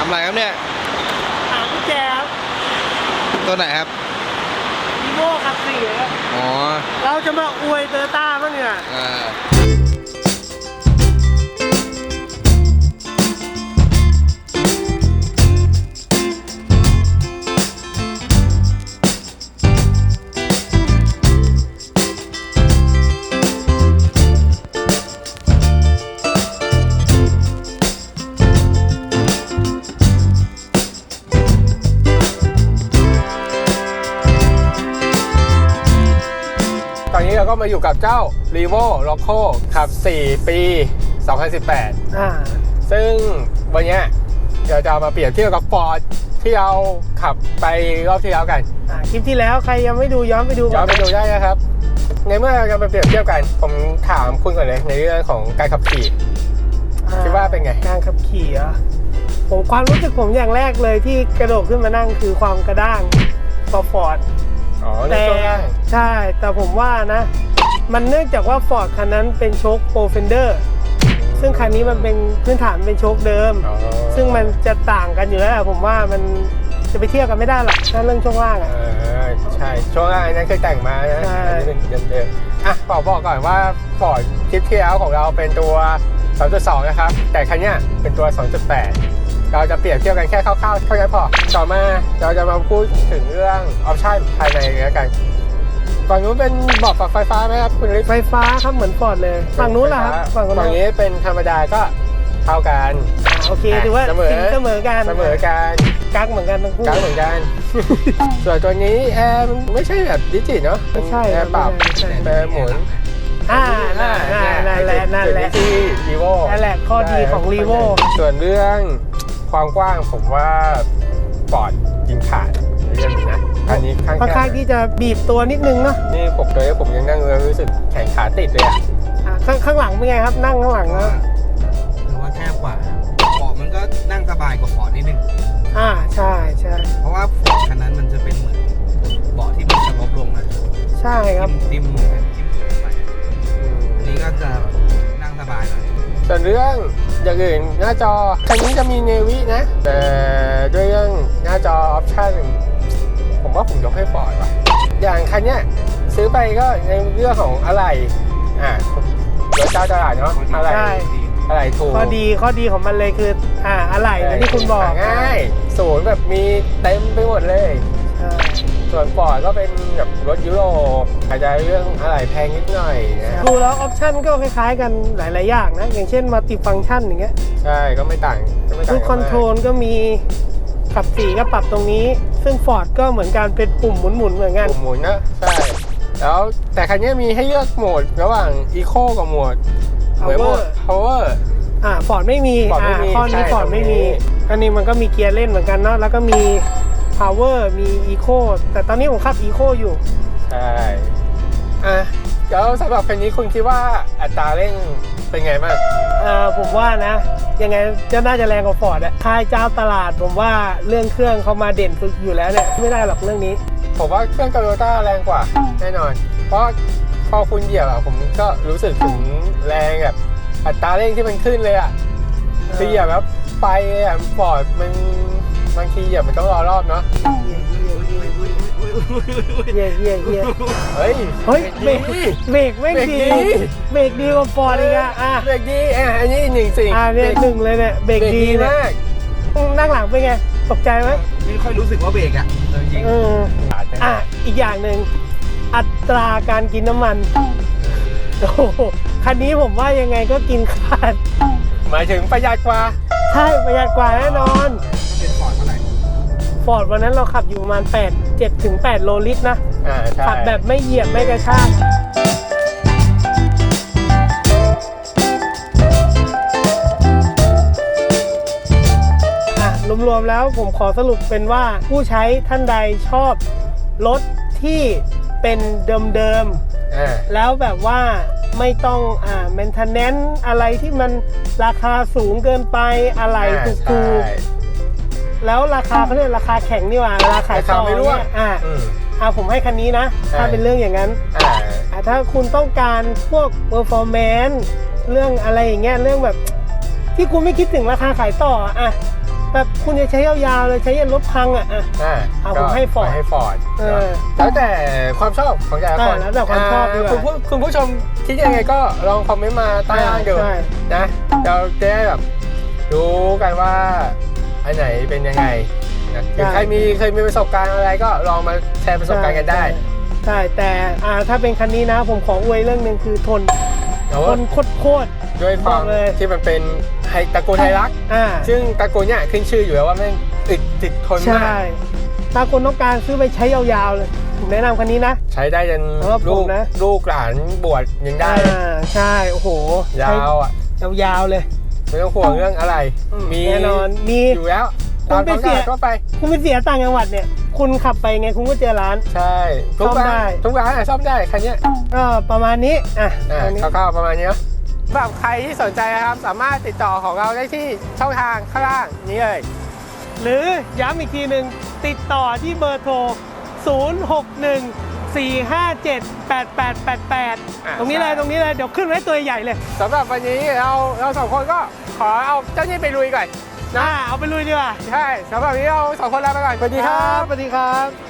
อะไรครับเนี่ยหากุญแจครับตัวไหนครับอีโม่ครับสี่ครับอ๋อเราจะมาอวยเตอร์ต้าบ้างเนี่ยตอนนี้เราก็มาอยู่กับเจ้า Revo Loco ขับ 4 ปี 2018 ซึ่งวันนี้เราจะมาเปรียบเทียบกับ Ford ที่เราขับไปรอบที่แล้วกันคลิปที่แล้วใครยังไม่ดูย้อนไปดูได้นะครับ ในเมื่อเราจะมาเปรียบเทียบกันผมถามคุณก่อนเลยในเรื่องของการขับขี่คิดว่าเป็นไงการขับขี่ผมความรู้สึกผมอย่างแรกเลยที่กระโดดขึ้นมานั่งคือความกระด้างของ Fordแต่ใช่แต่ผมว่านะมันเนื่องจากว่า Ford คันนั้นเป็นโชค Pro Fender ซึ่งคันนี้มันเป็นพื้นฐานเป็นโชคเดิมซึ่งมันจะต่างกันอยู่แล้วผมว่ามันจะไปเทียบกันไม่ได้หรอกถ้าเรื่องช่วงล่างใช่ช่วงล่างนั้นเคยแต่งมานะอันนี้เป็นเดิมบอกก่อนว่า Ford คลิปที่แล้วของเราเป็นตัว 2.2 นะครับแต่คันนี้เป็นตัว 2.8เราจะเปรียบเทียบกันแค่คร่าวๆเท่านั้นพอต่อมาเราจะมาพูดถึงเรื่องออปชั่นภายในแล้วกันฝั่งนู้นเป็นเบาะปรับไฟฟ้าไหมครับคุณฤทธิ์ไฟฟ้าครับเหมือนฟอร์ดเลยฝั่งนู้นล่ะครับฝั่งนี้เป็นธรรมดาก็เท่ากันโอเคถือว่าเสมอกันกั๊กเหมือนกันทั้งคู่กั๊กเหมือนกัน ส่วนตัวนี้แอร์ไม่ใช่แบบดิจิตเนาะไม่ใช่แอร์ปรับแอร์หมุนนั่นแหละที่ Revo นั่นแหละข้อดีของ Revo ส่วนเรื่องความกว้างผมว่าฟอร์ดยิงขาดในเรื่องนี้นะอันนี้ค่อนข้างที่จะบีบตัวนิดนึงเนาะนี่ผมยังนั่งแล้วรู้สึกแขนขาติดเลยข้างหลังเป็นไงครับนั่งข้างหลังนะหรือว่าแคบกว่าเบาะมันก็นั่งสบายกว่าฟอร์ดนิดนึงใช่เพราะว่าฟอร์ดคันนั้นมันจะเป็นเหมือนเบาะที่มันสลบลงนะใช่ครับทิ่มไปอันนี้ก็จะนั่งสบายหน่อยส่วนเรื่องอย่างอื่นหน้าจอคันนี้จะมีเนวินะแต่ด้วยเรื่องหน้าจอออปชั่นผมว่าผมยกให้ฟอร์ดว่ะอย่างคันนี้ซื้อไปก็ในเรื่องของอะไรเดี๋ยวเจ้าตลาดเนาะอะไรถูกข้อดีของมันเลยคืออะไรที่คุณบอกง่ายศูนย์แบบมีเต็มไปหมดเลยส่วนฟอร์ดก็เป็นแบบรถยุโรปอาจจะเรื่องอะไรแพงนิดหน่อยนะดูแล้วออปชั่นก็คล้ายๆกันหลายๆอย่างนะอย่างเช่นมัลติฟังก์ชันอย่างเงี้ยใช่ก็ไม่ต่างรูปคอนโทรลก็มีขับ4ก็ปรับตรงนี้ซึ่ง Ford ก็เหมือนกันเป็นปุ่มหมุนเหมือนกันปุ่มหมุนนะใช่แล้วแต่คันนี้มีให้เลือกโหมดระหว่าง Eco กับโหมด Power Ford ไม่มีข้อนี้ Ford ไม่มีอันนี้มันก็มีเกียร์เล่นเหมือนกันเนาะแล้วก็มี Power มี Eco แต่ตอนนี้ผมขับ Eco อยู่ใช่แล้วสำหรับคันนี้คุณคิดว่าอัตราเร่งเป็นไงบ้างผมว่านะยังไงจะน่าจะแรงกว่า Ford ค่ายเจ้าตลาดผมว่าเรื่องเครื่องเขามาเด่นสุดอยู่แล้วเนี่ยไม่ได้หรอกเรื่องนี้ผมว่าเครื่อง Toyota แรงกว่าแน่นอนเพราะพอคุณเหยียบผมก็รู้สึกถึงแรงแบบอัตราเร่งที่มันขึ้นเลยคือเหยียบแล้วไปฟอร์ดมันบางทีเหยียบมันต้องรอรอบเนาะเย่เฮ้ยเบรกไม่ดีเบรกดีกว่าฟอร์ดอีกเบรกดีอันนี้1 สิ่งเนี่ย1เลยเนี่ยเบรกดีมากนั่งหลังเป็นไงตกใจไหมไม่ค่อยรู้สึกว่าเบรกจริงอีกอย่างหนึ่งอัตราการกินน้ำมันโอ้คันนี้ผมว่ายังไงก็กินขาดหมายถึงประหยัดกว่าใช่ประหยัดกว่าแน่นอนเป็นฟอร์ดเท่าไหร่ฟอร์ดวันนั้นเราขับอยู่ประมาณ7 ถึง 8 โลลิตรนะขับแบบไม่เหยียบไม่กระชากรวมๆแล้วผมขอสรุปเป็นว่าผู้ใช้ท่านใดชอบรถที่เป็นเดิมๆแล้วแบบว่าไม่ต้องmaintenance อะไรที่มันราคาสูงเกินไปอะไรถูกๆแล้วราคาเขาเรียกราคาแข็งนี่หว่าราคาต่อเนี่ยผมให้คันนี้นะถ้าเป็นเรื่องอย่างนั้นถ้าคุณต้องการพวก performance เรื่องอะไรอย่างเงี้ยเรื่องแบบที่คุณไม่คิดถึงราคาขายต่อแบบคุณจะใช้ยาวๆเลยใช้ยันรถพังอ่ะเอาผมให้ Ford ให้ฟอร์ดแล้วแต่ความชอบของแต่ละคนแล้วแต่ความชอบดีกว่าคุณผู้ชมคิดยังไงก็ลองคอมเมนต์มาใต้ล่างดูนะเราจะได้แบบรู้กันว่าอันไหนเป็นยังไงนะหรือใครเคยมีประสบการณ์อะไรก็ลองมาแชร์ประสบการณ์กันได้ใช่แต่ถ้าเป็นคันนี้นะผมขออวยเรื่องหนึ่งคือทนโคตรด้วยความที่มันเป็นตระกูลไฮรักซึ่งตระกูลเนี่ยขึ้นชื่ออยู่แล้วว่าแม่งติดทนมากถ้าคนต้องการซื้อไปใช้ยาวๆเลยผมแนะนำคันนี้นะใช้ได้จนลูกหลานบวชยังได้ใช่โอ้โหยาวอ่ะยาวๆเลยไม่ต้องห่วงเรื่องอะไรมีแน่นอนมีอยู่แล้วคุณไปเสียต่างจังหวัดเนี่ยคุณขับไปไงคุณก็เจอร้านใช่ทุกร้านซ่อมได้คันนี้ก็ประมาณนี้คร่าวๆประมาณนี้เนาะสำหรับใครที่สนใจนะครับสามารถติดต่อของเราได้ที่ช่องทางข้างล่างนี้เลยหรือย้ำอีกทีหนึ่งติดต่อที่เบอร์โทร 061-457-8888 ตรงนี้เลยเดี๋ยวขึ้นไว้ตัวใหญ่เลยสำหรับวันนี้เราสองคนก็ขอเอาเจ้านี่ไปลุยก่อนเอาไปลุยดีกว่าใช่สำหรับวันนี้เราสองคนลาไปก่อนสวัสดีครับสวัสดีครับ